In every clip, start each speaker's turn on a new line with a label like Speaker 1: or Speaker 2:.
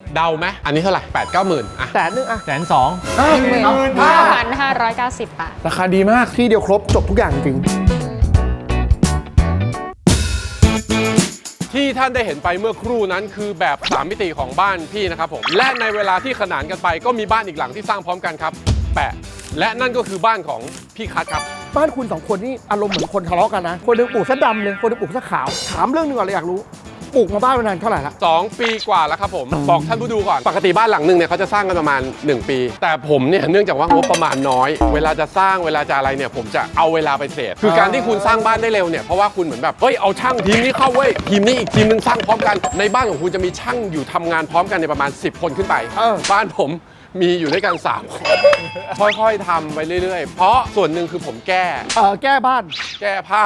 Speaker 1: เดาไหมอันนี้เท่าไหร่8-9 หมื่นอะ
Speaker 2: 100,000อ่ะ
Speaker 3: 120,000
Speaker 4: 5,590 บาท
Speaker 3: ราคาดีมาก
Speaker 2: ที่เดียวครบจบทุกอย่างจริง
Speaker 1: ที่ท่านได้เห็นไปเมื่อครู่นั้นคือแบบ3มิติของบ้านพี่นะครับผมและในเวลาที่ขนานกันไปก็มีบ้านอีกหลังที่สร้างพร้อมกันครับแปะและนั่นก็คือบ้านของพี่คัทครับ
Speaker 2: บ้านคุณสองคนนี่อารมณ์เหมือนคนทะเลาะกันนะคนหนึงปลูกซะดำเลยคนหนึงปลูกซะขาวถามเรื่องหนึงก่อนเลยอยากรู้ปลูกมาบ้านมานานเท่าไหร่ละ
Speaker 1: 2 ปีกว่าแล้วครับผมบอกท่านผู้ดูก่อนปกติบ้านหลังหนึ่งเนี่ยเขาจะสร้างกันประมาณ1 ปี แต่ผมเนี่ยเนื่องจากว่างบประมาณน้อย เวลาจะสร้างเวลาจะอะไรเนี่ยผมจะเอาเวลาไปเทรดคือการที่คุณสร้างบ้านได้เร็วเนี่ยเพราะว่าคุณเหมือนแบบเฮ้ยเอาช่างทีมนี้เข้าเว้ยทีมนี้อีกทีมนึงสร้างพร้อมกันในบ้านของคุณจะมีช่างอยู่ทำงานพร้อมกันในประมาณ10 คนขึ้นไปบ้านผมมีอยู่ด้วยกัน3 คนค่อยๆทำไปเรื่อยๆเพราะส่วนหนึ่งคือผมแก้
Speaker 2: บ้าน
Speaker 1: แก้ผ้า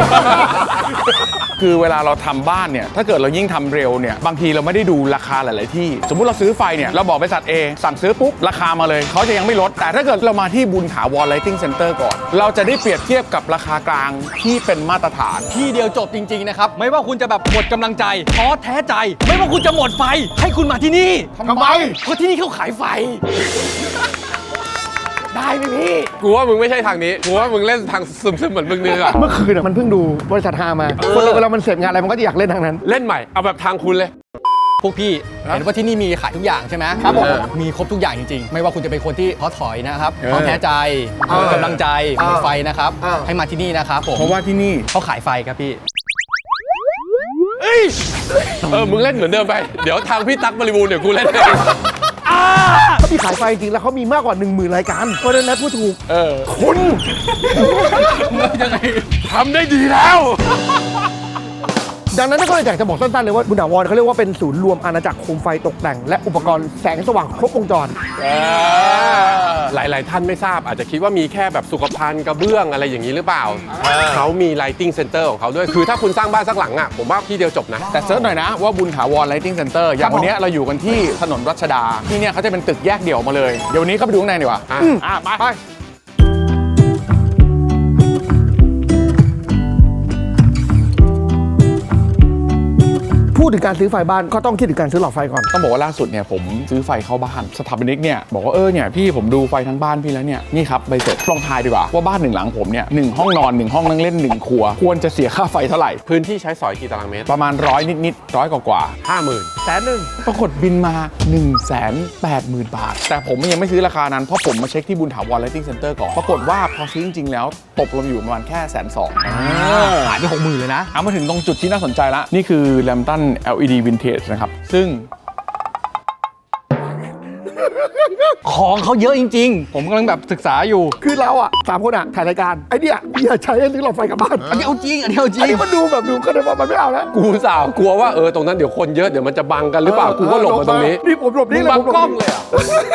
Speaker 3: คือเวลาเราทำบ้านเนี่ยถ้าเกิดเรายิ่งทำเร็วเนี่ยบางทีเราไม่ได้ดูราคาหลาย ๆ ที่สมมุติเราซื้อไฟเนี่ยเราบอกบริษัท A สั่งซื้อปุ๊บราคามาเลยเขาจะยังไม่ลดแต่ถ้าเกิดเรามาที่บุญถาวร Lighting Center ก่อนเราจะได้เปรียบเทียบกับราคากลางที่เป็นมาตรฐาน
Speaker 5: ที่เดียวจบจริง ๆ นะครับ ไม่ว่าคุณจะแบบหมดกำลังใจท้อแท้ใจ ไม่ว่าคุณจะหมดไฟให้คุณมาที่นี่ทำไมเพราะที่นี่เขาขายไฟ ได้ไหมพี่
Speaker 1: กูว่ามึงไม่ใช่ทางนี้กูว่ามึงเล่นทางซึมๆเหมือนมึงนึงอะ
Speaker 2: เมื่อคืนมันเพิ่งดูบริษัทฮามาคนเราเวลามันเสร็จงานอะไรมันก็จะอยากเล่นทางนั้น
Speaker 1: เล่นใหม่เอาแบบทางคุณเลย
Speaker 5: พวกพี่เห็นว่าที่นี่มีขายทุกอย่างใช่ไหม
Speaker 2: ครับผม
Speaker 5: มีครบทุกอย่างจริงๆ ไม่ว่าคุณจะเป็นคนที่ท้อถอยนะครับท้อแท้ใจหมดกำลังใจหมดไฟนะครับให้มาที่นี่นะครับผม
Speaker 3: เพราะว่าที่นี่
Speaker 5: เขาขายไฟครับพี่
Speaker 1: มึงเล่นเหมือนเดิมไปเดี๋ยวทางพี่ตั๊กบริบูรณ์เดี๋ยวกูเล่นเอง
Speaker 2: เขามีขายไฟจริงแล้วเขามีมากกว่า 10,000 รายการเพราะฉะนั้นพูดถูก
Speaker 1: คุณทำได้ดีแล้ว
Speaker 2: ดังนั้นก็เลยอยากจะบอกสั้นๆเลยว่าบุญถาวรเขาเรียกว่าเป็นศูนย์รวมอาณาจักรโคมไฟตกแต่งและอุปกรณ์แสงสว่างครบวงจร
Speaker 1: หลายๆท่านไม่ทราบอาจจะคิดว่ามีแค่แบบสุขภัณฑ์กระเบื้องอะไรอย่างนี้หรือเปล่าเขามี lighting center ของเขาด้วยคือถ้าคุณสร้างบ้านสักหลังอ่ะผมว่าที่เดียวจบนะ
Speaker 3: แต่เซิร์ชหน่อยนะว่าบุญถาวร Lighting Center อย่างวันนี้เราอยู่กันที่ถนนรัชดาที่เนี่ยเขาจะเป็นตึกแยกเดี่ยวมาเลยเดี๋ยววันนี้เข้าไปดูข้างในดีกว่า
Speaker 2: ไปพูดถึงการซื้อไฟบ้านก็ต้องคิดถึงการซื้อหลอดไฟก่อน
Speaker 3: ต้องบอกว่าล่าสุดเนี่ยผมซื้อไฟเข้าบ้านสถาปนิกเนี่ยบอกว่าเนี่ยพี่ผมดูไฟทั้งบ้านพี่แล้วเนี่ยนี่ครับใบเสร็จลองทายดีกว่าว่าบ้าน1 หลังผมเนี่ย1 ห้องนอน1 ห้องนั่งเล่น1 ครัวควรจะเสียค่าไฟเท่าไหร่
Speaker 1: พื้นที่ใช้สอยกี่ตารางเมตร
Speaker 3: ประมาณ100 นิดๆ100 กว่า
Speaker 1: 50,000
Speaker 3: ปรากฏบินมา 180,000 บาท แต่ผมยังไม่ซื้อราคานั้นเพราะผมมาเช็คที่บุญถาวร Lighting Center ก่อนปรากฏว่าพอซื้อจริงๆแล้วตกลงอยู่ประมาณแค่120,000
Speaker 5: ขายไป60,000เลยนะ
Speaker 3: เอามาถึงตรงจุดที่น่าสนใจละนี่คือ Lambton LED Vintage นะครับซึ่ง
Speaker 5: ของเขาเยอะจริง ๆ ผมกำลังแบบศึกษาอยู่
Speaker 2: คือเราอ่ะ3 คนอ่ะถ่ายรายการไอ้เนี่ยอย่าใช้ให้ซื้อหลอดไฟกลับบ้าน
Speaker 5: อันนี้เอาจริง อันนี้เอาจริ
Speaker 2: อัน
Speaker 5: ง
Speaker 2: นี้มันดูแบบดูก็ได้ว่ามันไม่เอาแล้ว
Speaker 1: กูสาวกลัวว่าตรงนั้นเดี๋ยวคนเยอะเดี๋ยวมันจะบังกันหรือเปล่ากูก็หลบมาตรงนี้
Speaker 2: นี่ผมหลบ
Speaker 1: มึ
Speaker 2: นี่
Speaker 1: ง
Speaker 2: เลย
Speaker 1: บัง
Speaker 2: ผมหลบ
Speaker 1: กล้องเลยอ่ะ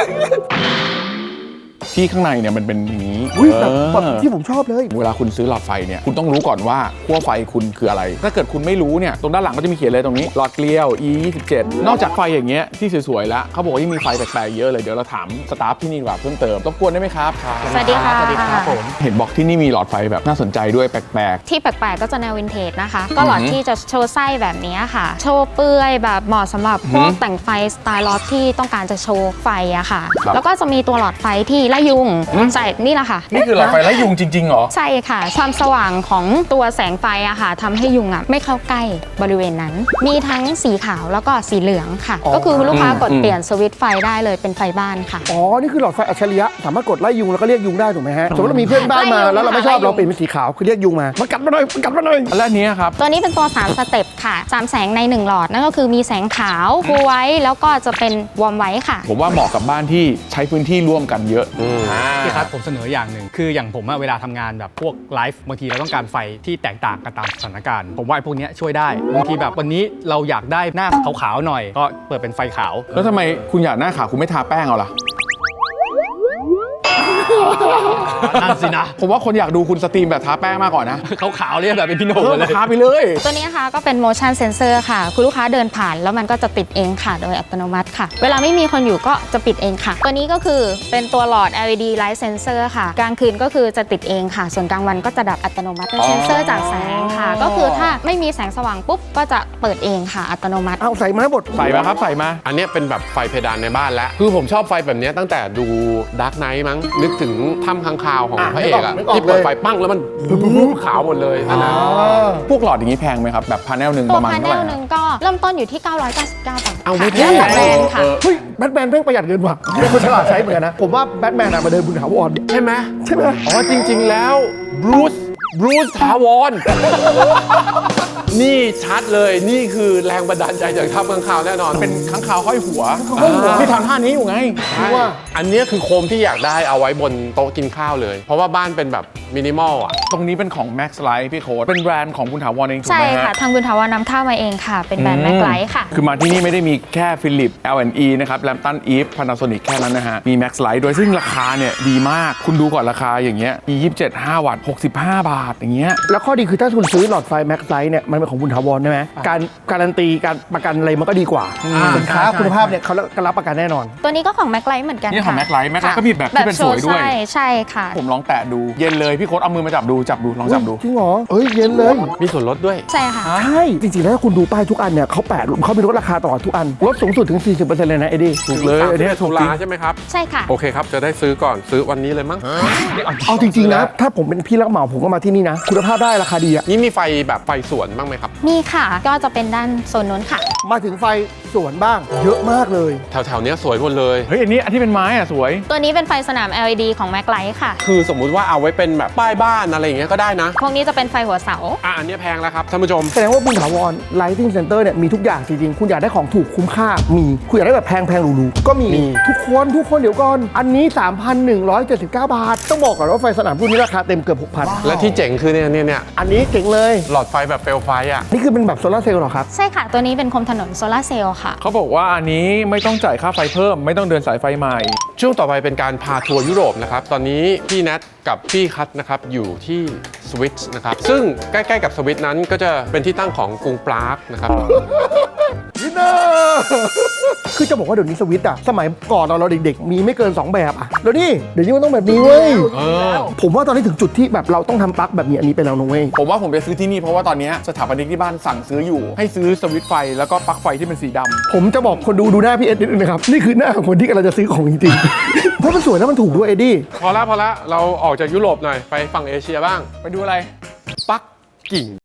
Speaker 3: ที่ข้างในเนี่ยมันเป็นอย่างนี้
Speaker 2: อุ้ยแบบที่ผมชอบเลย
Speaker 3: เวลาคุณซื้อหลอดไฟเนี่ยคุณต้องรู้ก่อนว่าขั้วไฟคุณคืออะไร ถ้าเกิดคุณไม่รู้เนี่ยตรงด้านหลังก็จะมีเขียนเลยตรงนี้หลอดเกลียว E27 นอกจากไฟอย่างเงี้ยที่สวยๆแล้วเขาบอกว่ายังมีไฟแปลกๆเยอะเลยเดี๋ยวเราถามสตาฟที่นี่ดีกว่าเพิ่มเติมรบกวนได้ไหมครับ
Speaker 4: สวัสดีค่ะ
Speaker 5: สวัสดีครับผม
Speaker 3: เห็นบอกที่นี่มีหลอดไฟแบบน่าสนใจด้วยแปลก
Speaker 4: ที่แปลกๆก็จะแนววินเทจนะคะ ก็หลอดที่จะโชว์ไส้แบบนี้ค่ะ โชว์เปลือยแบบเหมาะสำหรับพวกแต่งไฟสไตล์ล็อตที่ต้องการจะโชว์ไฟอะค่ะ แล้วก็จะมีตัวหลอดไฟที่ไล่ยุงใส่นี่แหละค่ะ
Speaker 3: ๆนี่คือหลอดไฟไล่ยุงจริงๆเหรอ
Speaker 4: ใช่ค่ะ ความสว่างของตัวแสงไฟอะค่ะทำให้ยุงอะไม่เข้าใกล้บริเวณนั้น มีทั้งสีขาวแล้วก็สีเหลืองค่ะ ก็คือลูกค้ากดเปลี่ยนสวิตช์ไฟได้เลยเป็นไฟบ้านค่ะ
Speaker 2: อ๋อ นี่คือหลอดไฟอัจฉริยะสามารถกดไล่ยุงแล้วก็เรียกยุงได้ถูกไหมฮะ สมมติเรามีเพื่อนบ้านมาแล้วเราไม่ชอบเราเปลี่ยนเป็นสีขาวคือเรียกยุงมามันกัดมาหน่อยมันกัดมาหน่อย
Speaker 3: และอันเนี้ยครับ
Speaker 4: ตัวนี้เป็นตัว3สเต็ปค่ะ3แสงใน1หลอดนั่นก็คือมีแสงขาวคูลไว้แล้วก็จะเป็นวอร์มไว้ค่ะ
Speaker 3: ผมว่าเหมาะกับบ้านที่ใช้พื้นที่ร่วมกันเยอะ
Speaker 5: พี่ครับผมเสนออย่างหนึ่งคืออย่างผมอะเวลาทำงานแบบพวกไลฟ์บางทีเราต้องการไฟที่แตกต่างกันตามสถานการณ์ผมว่าไอ้พวกเนี้ยช่วยได้บางทีแบบวันนี้เราอยากได้หน้าขาวๆหน่อย ก็เปิดเป็นไฟขาว
Speaker 3: แล้วทำไมคุณอยากหน้าขาวคุณไม่ทาแป้งเอาล่ะ
Speaker 5: นั่นสินะ
Speaker 3: ผมว่าคนอยากดูคุณสตรีมแบบทาแป้งมากกว่านะ
Speaker 5: ขาวๆเลยแบบเป็นพี่โหน่ง
Speaker 3: เพิ่ม
Speaker 5: เล
Speaker 3: ราย คาไปเลย
Speaker 4: ตัวนี้นะคะก็เป็น motion sensor ค่ะ คุณลูกค้าเดินผ่านแล้วมันก็จะติดเองค่ะ โดยอัตโนมัติค่ะ เวลาไม่มีคนอยู่ก็จะปิดเองค่ะ ตัวนี้ก็คือเป็นตัวหลอด LED light sensor ค่ะ กลางคืนก็คือจะติดเองค่ะ ส่วนกลางวันก็จะดับอัตโนมัติเป็นเซนเซอร์จากแสงค่ะ ก็คือถ้าไม่มีแสงสว่างปุ๊บก็จะเปิดเองค่ะ อัตโนมัติ
Speaker 2: เอาใส่มาให้หมด
Speaker 3: ใส่มาครับใส่มา
Speaker 1: อันเนี้ยเป็นแบบไฟเพดานในบ้านแล้ว คือผมชอบไฟแบบเนี้ยตั้งแต่ดูดาร์กไนท์มั้ง นึกถึงถ้ำค้างคาวของพระเอกอะ
Speaker 2: นึกออก
Speaker 1: ที่เปิด
Speaker 2: เลย
Speaker 1: ไฟปั้งแล้วมันปุ๊บขาวหมดเลยนั่นนะ
Speaker 3: พวกหลอดอย่างนี้แพงไหมครับ แบบพาเนลหนึ่ง
Speaker 4: ตั
Speaker 3: ป
Speaker 4: ว
Speaker 3: ระมาณ
Speaker 4: พาเน
Speaker 3: เท่าไหร่
Speaker 4: ลหนึ่งก็เริ่มต้นอยู่ที่ 999 บาท
Speaker 1: เอาไม่
Speaker 4: ค่ะ
Speaker 1: แพง
Speaker 4: แล้วแต่แบรนด์ค่ะ
Speaker 2: เฮ้ยแบทแมนเพิ่งประหยัดเงินว่ะเป็นคนฉลาดใช้เหมือนกันนะ ผมว่าแบทแมนอะมาเดินบุญถาวร
Speaker 1: ใช่ไหม
Speaker 2: ใช่ไหม
Speaker 1: อ๋อจริง ๆ แล้วบรูซถาวร นี่ชัดเลยนี่คือแรงบันดาลใจจากถ้ำค้างคาวแน่นอน
Speaker 3: เป็นค้างคาวห้อยหัว
Speaker 1: ห้อยหัว
Speaker 3: ที่ทำท่านี้อยู่ไง
Speaker 1: ใช่อันเนี้ยคือโคมที่อยากได้เอาไว้บนโต๊ะกินข้าวเลย เพราะว่าบ้านเป็นแบบมินิมอลอ่ะ
Speaker 3: ตรงนี้เป็นของ Max Light พี่โค้ดเป็นแบรนด์ของคุณถาวรเองถูก
Speaker 4: ใช่
Speaker 3: ไหมฮะ
Speaker 4: ค่ะ ทางบุญถาวรนำเข้ามาเองค่ะ เป็นแบรนด์แม็กไลท์ค่ะ
Speaker 3: คือมาที่นี่ไม่ได้มีแค่ฟิลิป L&E นะครับแลมตันอีฟพานาโซนิกแค่นั้นนะฮะ มี Max Light ด้วยซึ่งราคาเนี่ยดีมาก คุณดูก่อนราคาอย่างเงี้ยมี27 5 วัตต์65 บาทอย่างเงี้ย
Speaker 2: แล้วข้อดีคือถ้าคุณซื้อหลอดไฟแม็กไซส์เนี่ยมันเป็นของบุญถาวรใช่ไหมการการันตีการประกันอะไรมันก็ดีกว่าสินค้า
Speaker 5: ใช่
Speaker 2: คุณภาพเนี่ยเขารับประกันแน่นอน
Speaker 4: ตัวนี้ก็ของแม็กไลท์เหมือนกัน
Speaker 3: นี่ของ
Speaker 4: ค่ะ
Speaker 3: Max Light Max Light
Speaker 4: ค่ะ
Speaker 3: ก็มีแบบที่เป็นสวยด้วย
Speaker 4: ใช่ค่ะ
Speaker 3: ผมลองแตะดูเย็นเลยพี่โค้ดเอามือมาจับดูลองจับดู
Speaker 2: จริงเหรอเอ้ยเย็นเลย
Speaker 1: มีส่วนลดด้วย
Speaker 4: ใช่ค่ะ
Speaker 2: ใช่ จริงๆ แล้วถ้าคุณดูป้ายทุกอันเนี่ยเขาแปะเขามีลดราคาตลอดทุกอัน ลดสูงสุดถึง 40%เลยนะเอ็ดดี้
Speaker 3: ถูกเลยอันนี้ถูก
Speaker 1: ตุ
Speaker 3: จริง
Speaker 1: ลาใช่ไหมครับ
Speaker 4: ใช่ค่ะ
Speaker 1: โอเคครับ จะได้ซื้อก่อนซื้อวันนี้เลยมั้ง
Speaker 2: เอาจริงๆนะ ถ้าผมเป็นพี่รับเหมาผมก็มาที่นี่นะ คุณภาพได้ราคาดีอะ
Speaker 1: นี่มีไฟแบบไฟสวนบ้างไหมครับ
Speaker 4: มีค่ะ ก็จะเป็นด้านโซนนู้นค่ะ
Speaker 2: มาถึงไฟสวนบ้าง เยอะมากเลย
Speaker 1: แถวๆเนี้ยสวยหมดเลย
Speaker 3: เฮ้ยอันนี้อันที่เป็นไม้อะสวย
Speaker 4: ตัวนี้เป็นไฟสนาม LED ของแม็กไลท์ค่ะ
Speaker 1: คือสมมุติว่าเอาไว้เป็นแบบป้ายบ้านอะไรอย่างเงี้ยก็ได้นะ
Speaker 4: พวกนี้จะเป็นไฟหัวเสา
Speaker 1: อันเนี้ยแพงแล้วครับท่านผู้ชม
Speaker 2: แสดงว่าบุญถาวร Lighting Center เนี่ยมีทุกอย่างจริงๆ คุณอยากได้ของถูกคุ้มค่า มี คุณอยากได้แบบแพงๆหรูๆก็มี
Speaker 1: มี
Speaker 2: ทุกคนเดี๋ยวก่อน อันนี้ 3,179 บาท ต้องบอกก่อนว่าไฟสนามรุ่นนี้ราคาเต็มเกือบ 6,000
Speaker 1: และที่เจ๋งคือเนี่ย
Speaker 2: อันนี้เจ๋งเลย
Speaker 1: หลอดไฟแบบเปลวไฟอ่ะ
Speaker 2: นี่คือเป็นแบบโซลาร์เซลล์เหรอครับ
Speaker 4: ใช่ค่ะ ตัวนี้เป็นโคมถนนโซลาร์เซลล์ค่ะ
Speaker 3: เขาบอกว่าอันนี้ไม่ต้องจ่ายค่าไฟเพิ่ม ไม่ต้องเดินสายไฟใหม่
Speaker 1: ช่วงต่อไปเป็นการพาทัวร์ยุโรปนะครับ ตอนนี้พี่แนทกับพี่คัทนะครับอยู่ที่สวิตนะครับ ซึ่งใกล้ๆกับสวิตนั้นก็จะเป็นที่ตั้งของกรุงปรากนะครับ
Speaker 2: วินเนอร์คือจะบอกว่าเดี๋ยวนี้สวิตช์อะสมัยก่อนเราเด็กๆ มีไม่เกิน 2 แบบอะแล้วนี่เดี๋ยวนี้มันต้องแบบนี้เว้ย ผมว่าตอนนี้ถึงจุดที่แบบเราต้องทำปลั๊กแบบนี้อันนี้ไปแล้วนะเว้ย
Speaker 3: ผมว่าผมไปซื้อที่นี่เพราะว่าตอนนี้สถาปนิกที่บ้านสั่งซื้ออยู่ ให้ซื้อสวิตช์ไฟแล้วก็ปลั๊กไฟที่เป็นสีดำ
Speaker 2: ผมจะบอกคนดูหน้าพี่เอ็ดนิดนึงนะครับ นี่คือหน้าของคนที่กำลังจะซื้อของจริงๆ เพราะมันสวยแล้วมันถูกด้วยเอ็ดดี้
Speaker 1: พอละเราออกจากยุโรปหน่อย ไปฝั่งเอเชียบ้าง
Speaker 3: ไปดูอะไร
Speaker 1: ปักกิ่ง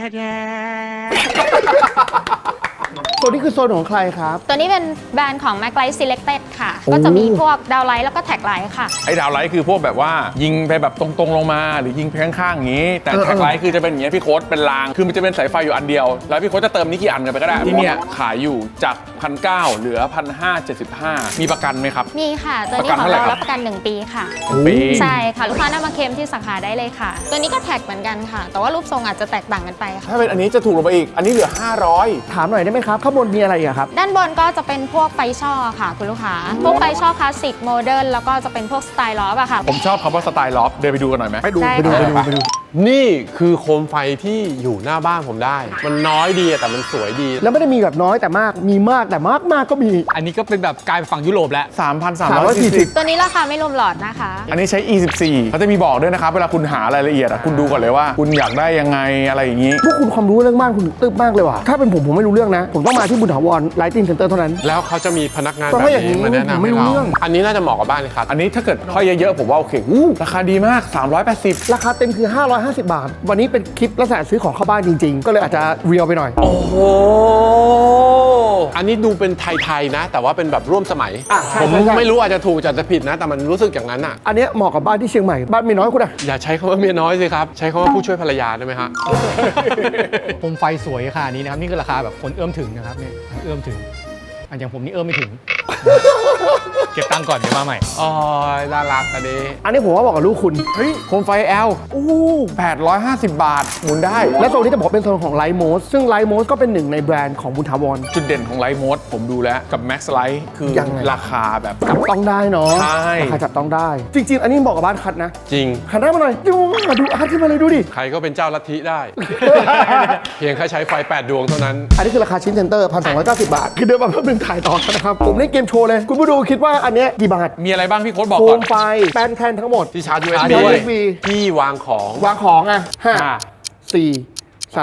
Speaker 2: ตัวนี้คือโซนของใครครับ
Speaker 4: ตัวนี้เป็นแบรนด์ของ Mac Light Selected ค่ะ
Speaker 2: โอ้
Speaker 4: ก็จะมีพวกดาวไลท์แล้วก็แท็กไลท์ค่ะ
Speaker 3: ไอ้ดาวไลท์คือพวกแบบว่ายิงไปแบบตรงๆลงมาหรือยิงไปข้างๆอย่างนี้ แต่แท็กไลท์คือจะเป็นอย่างเงี้ยพี่โค้ดเป็นราง คือมันจะเป็นสายไฟอยู่อันเดียว แล้วพี่โค้ดจะเติมนี่กี่อันกันไปก็ได้ ที่เนี่ยขายอยู่จาก 1,900 เหลือ 1,575 มีประกันไหมครับ
Speaker 4: มีค่ะ ตัวนี้
Speaker 3: ประกัน
Speaker 4: ของ
Speaker 3: เท่าไหร่
Speaker 4: เรา
Speaker 3: ครับ
Speaker 4: รับประกัน 1 ปีค่ะ
Speaker 3: ปี
Speaker 4: ใช่ค่ะ ลูกค้านำมาเคลมที่สาขาได้เลยค่ะ ตัวนี้ก็แท็กเหมือนกันค่ะ แต่ว่ารูปทรงอาจจะแตกต่างกันไปค่ะ
Speaker 3: ถ้าเป็นอันนี้จะถูกลงไปอีก อันนี้เหลือ 500
Speaker 2: ถามหน่อยได้ไหมครับ ข้างบนมีอะไรอีกอะครับ
Speaker 4: ด้านบนก็จะเป็นพวกไฟช่อค่ะ คุณลูกค้า พวกไฟช่อคลาสสิกโมเดิร์นแล้วก็จะเป็นพวกสไตล์ล้ออะค่ะ
Speaker 3: ผมชอบคำว่าสไตล์ล็อบเดินไปดูกันหน่อยไหม
Speaker 2: ไปดู
Speaker 4: ได้
Speaker 2: ไปดู
Speaker 4: ค่ะ
Speaker 2: ไปดูไปดู
Speaker 1: นี่คือโคมไฟที่อยู่หน้าบ้านผมได้ มันน้อยดีแต่มันสวยดี
Speaker 2: แล้วไม่ได้มีแบบน้อยแต่มาก มีมากแต่มากก็มี
Speaker 5: อันนี้ก็เป็นแบบกลายเป็นฝั่งยุโรปแล้ว
Speaker 3: 3,340
Speaker 4: ตัวนี้ราคาไม่รวมหลอดนะคะ
Speaker 3: อันนี้ใช้ E14 เขาจะมีบอกด้วยนะครับ เวลาคุณหารายละเอียดอะคุณดูก่อนเลยว่า คุณอยากได้ยังไงอะไรอย่างนี้
Speaker 2: พวกคุณความรู้เรื่องบ้านคุณตึ๊บมากเลยว่ะ ถ้าเป็นผมไม่รู้เรื่องนะ ผมต้องมาที่บุญถาวร Lighting Center เท่านั้น
Speaker 1: แล้วเขาจะมีพนักงาน
Speaker 2: เพราะ
Speaker 1: แบบ
Speaker 2: ว่าอย่างนี้
Speaker 1: นี้มาแนะ
Speaker 2: ผม
Speaker 1: นำ
Speaker 2: ไม่
Speaker 1: ให้
Speaker 2: รู้
Speaker 1: เรา
Speaker 2: เรื่อง
Speaker 1: อันนี้น่าจะเหมาะกับบ้านครับ
Speaker 3: อันนี้ถ้าเกิดห้อยเยอะๆผมว่าโอเคราคาดีมาก 380
Speaker 2: ราคาเต็มคือ 550 บาท วันนี้เป็นคลิปลักษณะซื้อของเข้าบ้านจริงๆ ก็เลยอาจจะเรียวไปหน่อย
Speaker 1: โอ้โห อันนี้ดูเป็นไทยๆนะ แต่ว่าเป็นแบบร่วมสมัย
Speaker 2: ใช่
Speaker 1: ผม
Speaker 2: ใช่
Speaker 1: ไม่รู้อาจจะถูกอาจจะผิดนะ แต่มันรู้สึกอย่างนั้นอ่ะ
Speaker 2: อันเนี้ยเหมาะกับบ้านที่เชียงใหม่ บ้านเมียน้อยคุณอะ
Speaker 1: อย่าใช้คำว่าเมียน้อยสิครับ ใช้คำว่าผู้ช่วยภรรยาได้ไหมฮะ
Speaker 5: โคมไฟสวยขนาดนี้นะครับ นี่คือราคาแบบคนเอื้อมถึงนะครับเนี่ยเอื้อมถึงอันอย่างผมนี่เอื้อมไม่ถึงเก็บตังค์ก่อนเดี๋ยวมาใหม่
Speaker 1: อ๋อน่ารักอันนี้
Speaker 2: อันนี้ผมว่าบอกกับลูกคุณ
Speaker 3: เฮ้ยโคมไฟ L
Speaker 2: อู้
Speaker 3: 850 บาท หมุนได้
Speaker 2: และโซนนี้จะบอกเป็นโซนของไลท์โมสซึ่งไลท์โมสก็เป็นหนึ่งในแบรนด์ของบุญถาวร
Speaker 3: จุดเด่นของไลท์โมดผมดูแล้วกับ Max Light คือ
Speaker 2: ยังไง
Speaker 3: ราคาแบบ
Speaker 2: จับต้องได้เนาะ
Speaker 3: ใช่
Speaker 2: ราคาจับต้องได้ จริง ๆ อันนี้บอกกับบ้านคัดนะ
Speaker 1: จริง
Speaker 2: หันหน้ามาหน่อยดูอาร์ตขึ้นมาเลยดูดิ
Speaker 1: ใครก็เป็นเจ้าลัทธิได้ เพียงแค่ใช้ไฟ 8 ดวงเท่านั้น
Speaker 2: อันนี้คือราคาชิ้นเซ็นเตอร์ 1,290 บาท คือเดินมาเพิ่มหนึ่งถ่ายต่อนะครับ ผมเล่นเกมโชว์เลย คุณผู้ดูคิดว่าอันเนี้ยกี่บาท
Speaker 3: มีอะไรบ้างพี่โค้ดบอก
Speaker 2: โค
Speaker 3: ก่อน
Speaker 2: มไฟแป้นแท่นทั้งหมด
Speaker 1: ที่ชาร์จ USB
Speaker 2: ชาร์จ USB
Speaker 1: ที่วางของ
Speaker 2: วางของอ่ะ
Speaker 3: อ่า
Speaker 2: 5 4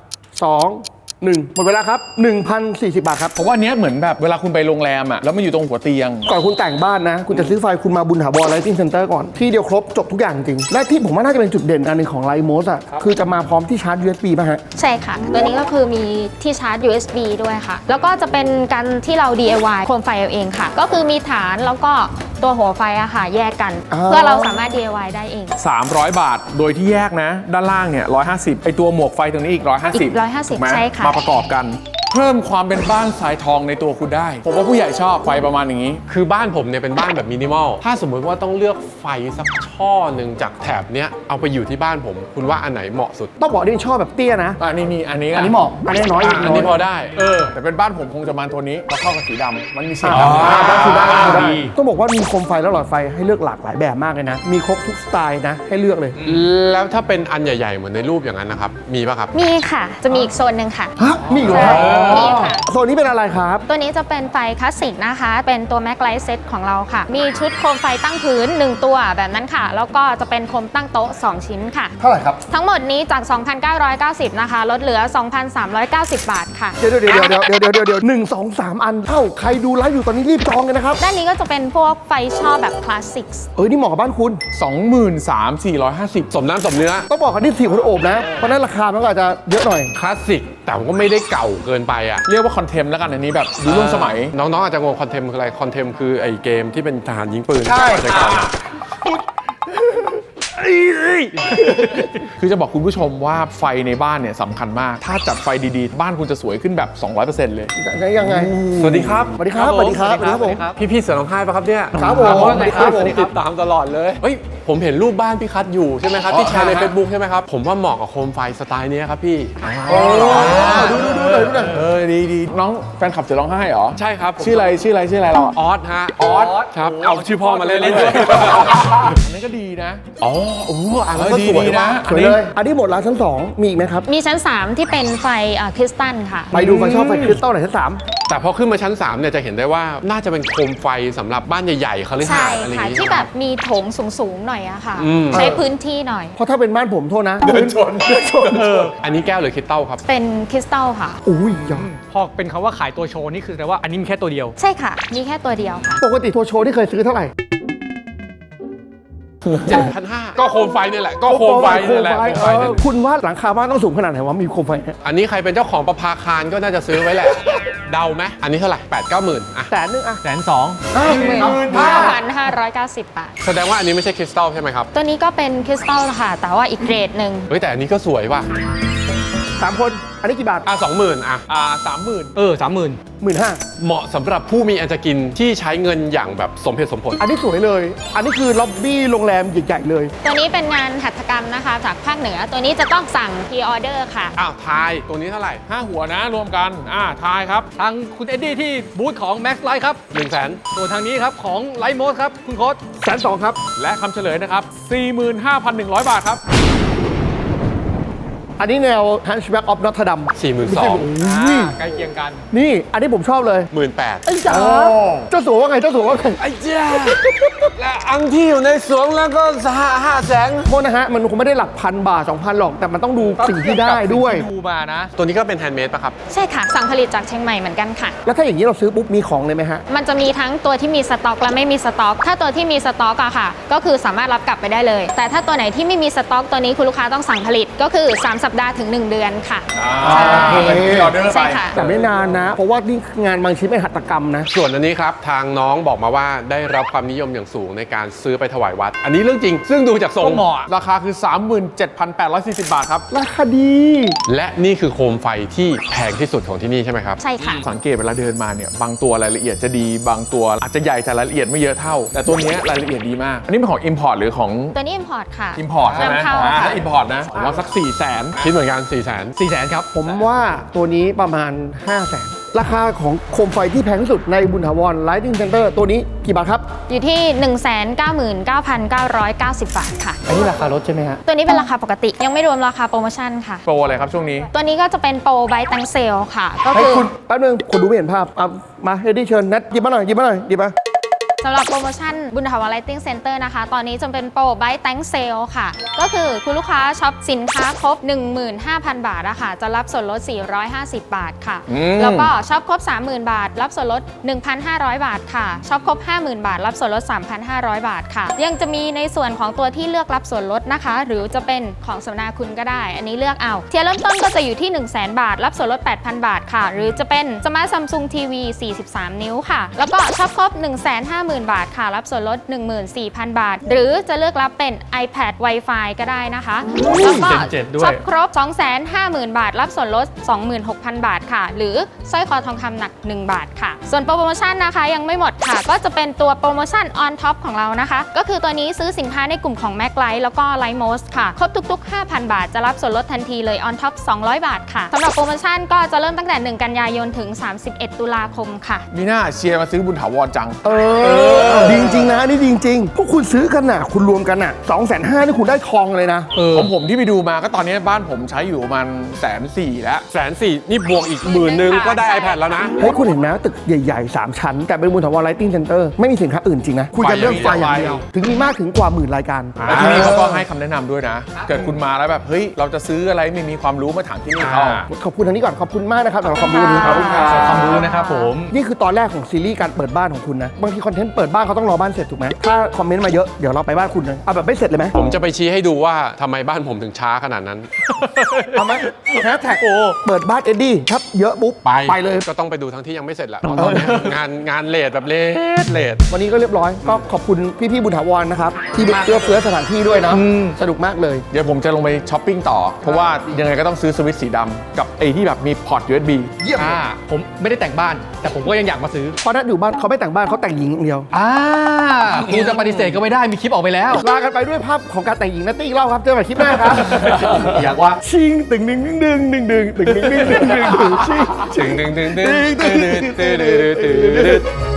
Speaker 2: 3 2 1 หมดเวลาครับ 1,040 บาทครับ
Speaker 3: ผมว่าอันเนี้ยเหมือนแบบเวลาคุณไปโรงแรมอะแล้วมันอยู่ตรงหัวเตียง
Speaker 2: ก่อนคุณแต่งบ้านนะ คุณจะซื้อไฟคุณมาบุญถาวรไลท์ติ้งเซ็นเตอร์ก่อน ที่เดียวครบจบทุกอย่างจริง และที่ผมว่าน่าจะเป็นจุดเด่นอันหนึงของไลท์โมสอ่ะ คือจะมาพร้อมที่ชาร์จ USB ป่ะฮะ
Speaker 4: ใช่ค่ะ ตัวนี้ก็คือมีที่ชาร์จ USB ด้วยค่ะ แล้วก็จะเป็นการที่เรา DIY โคมไฟเอาเองค่ะ ก็คือมีฐานแล้วก็ตัวหัวไฟอะค่ะ แยกกัน
Speaker 2: อ๋อ
Speaker 4: เพื่อเราสามารถ DIY ได้เอง
Speaker 3: 300 บาท โดยที่แยกนะ ด้านล่างเนี่ย150ไอตัวหมวกไฟตรงนี้อีก 150
Speaker 4: อีก150
Speaker 3: ถูกไหม
Speaker 4: ใช่ค่ะ
Speaker 3: มาประกอบกัน เพิ่มความเป็นบ้านสายทองในตัวคุณได้ ผมว่าผู้ใหญ่ชอบไฟประมาณอย่างนี้
Speaker 1: คือบ้านผมเนี่ยเป็นบ้านแบบมินิมอล ถ้าสมมุติว่าต้องเลือกไฟสักช่อหนึ่งจากแถบเนี้ยเอาไปอยู่ที่บ้านผม คุณว่าอันไหนเหมาะสุด
Speaker 2: ต้องบอกนี่ชอบแบบเตี้ยนะ
Speaker 3: อันนี้มีอันนี้
Speaker 2: อันนี้เหมาะ อันนี้น้อย
Speaker 1: อันนี้พอได้
Speaker 3: แต่เป็นบ้านผมคงจะมาตัวนี้มาเข้ากับสีดำมันมีสี
Speaker 2: อ๋อ
Speaker 3: ดำ
Speaker 2: ได้คือได้คือได้
Speaker 5: ดี
Speaker 2: ต้องบอกว่ามีโคมไฟและหลอดไฟให้เลือกหลากหลายแบบมากเลยนะ มีครบทุกสไตล์นะ ให้เลือกเลย
Speaker 1: แล้วถ้าเป็นอันใหญ่ๆ เหมือนในรูปอย่างนั้นนะครับ มีป่ะครับ
Speaker 4: มีค่ะ จะมีอีกโซนหนึ่งค่ะ
Speaker 2: ฮะมีอยู่
Speaker 4: ใช่
Speaker 2: แล้ว
Speaker 4: มีค่ะ
Speaker 2: โซนนี้เป็นอะไรครับ
Speaker 4: ตัวนี้จะเป็นไฟคลาสสิกนะคะ เป็นตัว Mac Light Set ของเราค่ะ มีชุดโคมไฟตั้งพื้น 1 ตัวแบบนั้นค่ะ แล้วก็จะเป็นโคมตั้งโต๊ะ 2 ชิ้นค่ะ
Speaker 2: เท่าไหร่ครับ
Speaker 4: ทั้งหมดนี้จาก 2,990 นะคะ ลดเหลือ 2,390 บาทค่ะ
Speaker 2: เดี๋ยวหนึ่งสองสามอันเท่าใครดูไลฟ์อยู่ตอนนี้รีบจองกันนะครับ
Speaker 4: ด้านนี้ก็จะเป็นพวกไฟช่อแบบคลาสสิก
Speaker 2: นี่เหมาะกับบ้านคุณ
Speaker 3: 23,450
Speaker 1: สมน้ำสมเนื้อ
Speaker 2: ต้องบอกกันที่4 คนโอบนะ เพราะฉะนั้นราคามันก็อาจจะเยอะหน่อย
Speaker 1: คลาสสิก แต่มันก็ไม่ได้เก่าเกินไปอ่ะ
Speaker 3: เรียกว่าคอนเทมแล้วกันอันนี้แบบดูร่วมสมัย
Speaker 1: น้องๆอาจจะงงคอนเทมคืออะไร คอนเทมคือไอ้เกมที่เป็นทหารยิงปืน
Speaker 2: ใช่
Speaker 1: อาจจะเก่าหน่อย
Speaker 3: คือจะบอกคุณผู้ชมว่าไฟในบ้านเนี่ยสำคัญมาก ถ้าจัดไฟดีๆ บ้านคุณจะสวยขึ้นแบบ 200%เลย
Speaker 2: ยังไง
Speaker 1: สวัสดีครับ
Speaker 2: สวัสดีครับสวัสดีครับสวัสดีครับผม
Speaker 1: พี่ๆเสือร้องไห้ปะครับเนี่ย
Speaker 2: ครับผม
Speaker 1: สวัสดีครับ
Speaker 2: สวัสดีครับ
Speaker 1: ติดตามตลอดเลย เฮ้ย ผมเห็นรูปบ้านพี่คัทอยู่ใช่ไหมครับ ที่แชร์ใน Facebook ใช่ไหมครับ ผมว่าเหมาะกับโคมไฟสไตล์เนี้ยครับพี่
Speaker 2: ดูหน่อย
Speaker 3: ดีน้องแฟนคลับจะร้องไห้เหรอ
Speaker 1: ใช่ครับผม
Speaker 3: ชื่ออะไรเราอะ
Speaker 1: ออสฮะ ออสครับ เอาชื่อพ่อมาเล่นเลย
Speaker 3: อันนี้ก็ดีนะ
Speaker 1: อ๋อโอ้โหอ่านแล้วก็สวย
Speaker 3: ดีๆ
Speaker 1: นะ
Speaker 3: นะ
Speaker 2: สวยเลย อันนี้หมดแล้วชั้น 2 มีอีกไหมครับ
Speaker 4: มีชั้น 3 ที่เป็นไฟคริสตัลค่ะ
Speaker 2: ไปดูไฟชอบไฟคริสตัลหน่อยชั้น
Speaker 1: แต่พอขึ้นมาชั้น 3 เนี่ยจะเห็นได้ว่าน่าจะเป็นโคมไฟสำหรับบ้านใหญ่ๆเขาเลย
Speaker 4: ใช่
Speaker 1: หาดอะไรอย่าง
Speaker 4: ค่ะ
Speaker 1: งี้
Speaker 4: ที่แบบมีโถงสูงๆหน่อยอะค่ะ
Speaker 1: อืม
Speaker 4: ใช้พื้นที่หน่อย
Speaker 2: 3 เพราะถ้าเป็นบ้านผมโทษนะ เดินชน
Speaker 1: อันนี้แก้วหรือคริสตัลครับ
Speaker 4: เป็นคริสตัลค่ะ
Speaker 2: อุ้ยยา
Speaker 5: พอเป็นคำว่าขายตัวโชว์นี่คือแต่ว่าอันนี้มีแค่ตัวเดียว
Speaker 4: ใช่ค่ะ มีแค่ตัวเดียวค่ะ
Speaker 2: ปกติทัวร์โชว์ที่เคยซื้อเท่าไหร่
Speaker 1: 7,500 ก็โคมไฟนี่แหละ ก็โคมไฟนี่แหละโคมไฟนี่แหละ
Speaker 2: คุณว่าหลังคาบ้านต้องสูงขนาดไหนวะมีโคมไฟเนี่ย
Speaker 1: อันนี้ใครเป็นเจ้าของประภาคารก็น่าจะซื้อไว้แหละ เดาไหมอันนี้เท่าไหร่ 8-9 หมื่นอ่ะ
Speaker 2: 100,000อ่ะ
Speaker 5: 120,000
Speaker 4: 5,590 บาท
Speaker 1: แสดงว่าอันนี้ไม่ใช่คริสตัลใช่ไหมครับ
Speaker 4: ตัวนี้ก็เป็นคริสตัลค่ะ แต่ว่าอีกเกรดหนึ่ง
Speaker 1: เฮ้ยแต่อันนี้ก็สวยว่ะ
Speaker 2: 3 คน อันนี้กี่บาท
Speaker 1: 20,000อ่ะ
Speaker 3: 30,000
Speaker 5: 30,000
Speaker 2: 15,000
Speaker 1: เหมาะสำหรับผู้มีอันจะกินที่ใช้เงินอย่างแบบสมเหตุสมผล
Speaker 2: อันนี้สวยเลย อันนี้คือล็อบบี้โรงแรมใหญ่ๆเลย
Speaker 4: ตัวนี้เป็นงานหัตถกรรมนะคะ จากภาคเหนือ ตัวนี้จะต้องสั่งพรีออเดอร์ค่ะ
Speaker 1: อ้าวทายตัวนี้เท่าไหร่
Speaker 3: 5 หัวนะรวมกันทายครับ
Speaker 5: ทางคุณเอ็ดดี้ที่บูธของ Max Light ครับ
Speaker 1: 100,000
Speaker 5: ส่วนทางนี้ครับของ Light Mode ครับ คุณโค้ด
Speaker 2: 120,000ครับ
Speaker 3: และคำเฉลยนะครับ 45,100 บาทครับ
Speaker 2: อันนี้แนว Hunchback of Notre Dame
Speaker 1: 42,000
Speaker 5: ใกล้เคียงกัน
Speaker 2: นี่ อันนี้ผมชอบเลย
Speaker 1: 18,000
Speaker 2: ไอ้จ๋าเจ้าสัวว่าไง เจ้าสัวว่าไง
Speaker 1: ไอ้เจ้าและอังที่อยู่ในสวงแล้วก็500,000
Speaker 2: โทษนะฮะ มันคงไม่ได้หลักพันบาท 2,000 หรอก แต่มันต้องดูสิ่งที่ได้ด้วย
Speaker 5: ดูมานะ
Speaker 1: ตัวนี้ก็เป็นแฮนด์เมดป่ะครับ
Speaker 4: ใช่ค่ะ สั่งผลิตจากเชียงใหม่เหมือนกันค่ะ
Speaker 2: แล้วถ้าอย่างนี้เราซื้อปุ๊บ มีของเลยไหมฮะ
Speaker 4: มันจะมีทั้งตัวที่มีสต็อกและไม่มีสต็อก ถ้าตัวที่มีสต็อกอะค่ะ ก็คือสามารถรับกลับไปได้เลย แต่ถ้าตัวไหนที่ไม่มีสต็อกตัวนี้คุณลูกค้าต้องสั่งผลิต ก็คือ3สัปสัปดาห์ถึง 1 เดือนค่ะ
Speaker 3: ใช่ที่ออเดอร์ไป
Speaker 4: ใช่ค่ะ
Speaker 2: แต่ไม่นานนะ เพราะว่านี่งานบางชิ้นเป็นหัตถกรรมนะ
Speaker 1: ส่วนอันนี้ครับทางน้องบอกมาว่าได้รับความนิยมอย่างสูงในการซื้อไปถวายวัด อันนี้เรื่องจริง ซึ่งดูจากทรง
Speaker 3: เหมาะราคาคือ 37,840 บาทครับ
Speaker 2: ราคาดี
Speaker 1: และนี่คือโคมไฟที่แพงที่สุดของที่นี่ใช่ไหมครับ
Speaker 4: ใช่ค่ะ
Speaker 3: สังเกตเวลาเดินมาเนี่ยบางตัวรายละเอียดจะดีบางตัวอาจจะใหญ่แต่รายละเอียดไม่เยอะเท่า แต่ตัวเนี้ยรายละเอียดดีมาก อันนี้เป็นของ Import หรือของ
Speaker 4: ตัวนี้ import ค่ะ
Speaker 3: Import ใช่ไหม
Speaker 4: นำเข้า
Speaker 3: ถ้า
Speaker 4: ค่ะ
Speaker 3: Import นะผมว่าสัก 400,000
Speaker 1: คิดเหมือนกัน 4 0 0 0 0
Speaker 5: 400,000ครับ
Speaker 2: ผมว่าตัวนี้ประมาณ 500,000 ราคาของโคมไฟที่แพงที่สุดในบุญถาวร Lighting Center ตัวนี้กี่บาทครับ
Speaker 4: อยู่ที่ 199,990 บาทค่ะ
Speaker 2: อันนี้ราคารถใช่ไหมฮะ
Speaker 4: ตัวนี้เป็นราคาปกติ ยังไม่รวมราคาโปรโมชั่นค่ะ
Speaker 3: โปรอะไรครับช่วงนี้
Speaker 4: ตัวนี้ก็จะเป็นโปรไบต์ตังเซลค่ะ ก็
Speaker 2: ให้
Speaker 4: คือ
Speaker 2: คุณแป๊บนึงคนดูไม่เห็นภาพเอามาเฮดดี้เชิญนัดหยิบมาหน่อยหยิบมาหน่อยหยิบมา
Speaker 4: สำหรับโปรโมชั่นบุญถาวร Lighting Center นะคะ ตอนนี้จะเป็นโปรไบต์ตังเซลค่ะ ก็คือคุณลูกค้าช็อปสินค้าครบ 15,000 บาทอะค่ะจะรับส่วนลด 450 บาทค่ะ แล้วก็ช็อปครบ 30,000 บาท รับส่วนลด 1,500 บาทค่ะช็อปครบ 50,000 บาท รับส่วนลด 3,500 บาทค่ะ ยังจะมีในส่วนของตัวที่เลือกรับส่วนลดนะคะ หรือจะเป็นของสำนักคุณก็ได้ อันนี้เลือกเอาเทียร์เริ่มต้นก็จะอยู่ที่ 100,000 บาท รับส่วนลด 8,000 บาทค่ะ หรือจะเป็นสมาร์ทซัมซุงทีวี 43 นิ้วค่ะ แล้วก็ช็อปครบ 150,000 บาทค่ะ รับส่วนลด 14,000 บาท หรือจะเลือกรับเป็น iPad Wi-Fi ก็ได้นะคะแล้วก็
Speaker 5: Gen 7ด้วย
Speaker 4: ช็อปครบ 250,000 บาท รับส่วนลด 26,000 บาทค่ะ หรือสร้อยคอทองคำหนัก 1 บาทค่ะ ส่วนโปรโมชั่นนะคะยังไม่หมดค่ะ ก็จะเป็นตัวโปรโมชั่น on top ของเรานะคะ ก็คือตัวนี้ซื้อสินค้าในกลุ่มของ Mac Light แล้วก็ Lightmost ค่ะ ครบทุกๆ 5,000 บาท จะรับส่วนลดทันทีเลย on top 200 บาทค่ะสำหรับโปรโมชั่นก็จะเริ่มตั้งแต่ 1 กันยายนถึง 31 ตุลาคมค่ะ
Speaker 3: มีหน้าเชียร์มาซื้อบุญถาวรจัง
Speaker 2: ดีจริงๆนะนี่ดีจริงๆพวกคุณซื้อกันน่ะคุณรวมกันน่ะ250,000นี่คุณได้ทองเลยนะ
Speaker 3: ของผมที่ไปดูมาก็ตอนนี้บ้านผมใช้อยู่ประมาณ140,000แล้ว
Speaker 1: 140,000นี่บวกอีก10,000ก็ได้ iPad แล้วนะ
Speaker 2: เฮ้ยคุณเห็นไหมตึกใหญ่ๆ 3 ชั้น แต่เป็นบุญถาวร Lighting Center ไม่มีสินค้าอื่นจริงนะ คุยกันเรื่องไฟอย่างเดียว ถึงมีมากถึงกว่าหมื่นรายการ
Speaker 3: แล้วที่นี่เขาก็ให้คำแนะนำด้วยนะ เกิดคุณมาแล้วแบบเฮ้ยเราจะซื้ออะไรไม่มีความรู้มาถามที่นี่เขา
Speaker 2: ขอบคุณทางนี้ก่อนขอบคุณมากนะครับสำหรับความรู้วันนี้ครับ
Speaker 5: ความรู้นะครับผม
Speaker 2: นี่คือตอนแรกของซีรีส์การเปิดบ้านของคุณนะบางทีคอนเทนต์เปิดบ้านเขาต้องรอบ้านเสร็จถูกไหมถ้าคอมเมนต์มาเยอะเดี๋ยวเราไปบ้านคุณเลยเอาแบบไม่เสร็จเลยไหม
Speaker 1: ผมจะไปชี้ให้ดูว่าทำไมบ้านผมถึงช้าขนาดนั้น
Speaker 2: เอาไหมแฮชแท็กเปิดบ้านเอ็ดดี้ครับเยอะปุ๊บไปเลย
Speaker 1: ก็ต้องไปดูทั้งที่ยังไม่เสร็จแหละเพราะตอนนี้งานเลทแบบเลท
Speaker 2: วันนี้ก็เรียบร้อยก็ขอบคุณพี่ๆบุญถาวรนะครับที่เอื้อเฟื้อสถานที่ด้วยเนาะสนุกมากเลย
Speaker 3: เดี๋ยวผมจะลงไปช้อปปิ้งต่อ เพราะว่ายังไงก็ต้องซื้อสวิตช์สีดำกับไอ้ที่แบบมีพอร์ต USB
Speaker 2: เยี่ยม
Speaker 5: ผมไม่ได้แต่งบ้าน แต่ผมก็ยังอยากมาซื้อ
Speaker 2: เพราะถ้าอยู่บ้านเขาไม่แต่งบ้านเขาแต่งหญิงอย่างเดียว
Speaker 5: คุณจะปฏิเสธก็ไม่ได้มีคลิปออกไปแล้ว
Speaker 2: ลากันไปด้วยภาพของการแต่งหญิงนัตตี้อีกรอบครับเจอกันใหม่คลิปหน้าครับ
Speaker 5: อยากว่า
Speaker 2: ชิงตึงดึงดึงดึงดึงดึงดึงดึงดึงดึงดึงชิง
Speaker 1: ดึง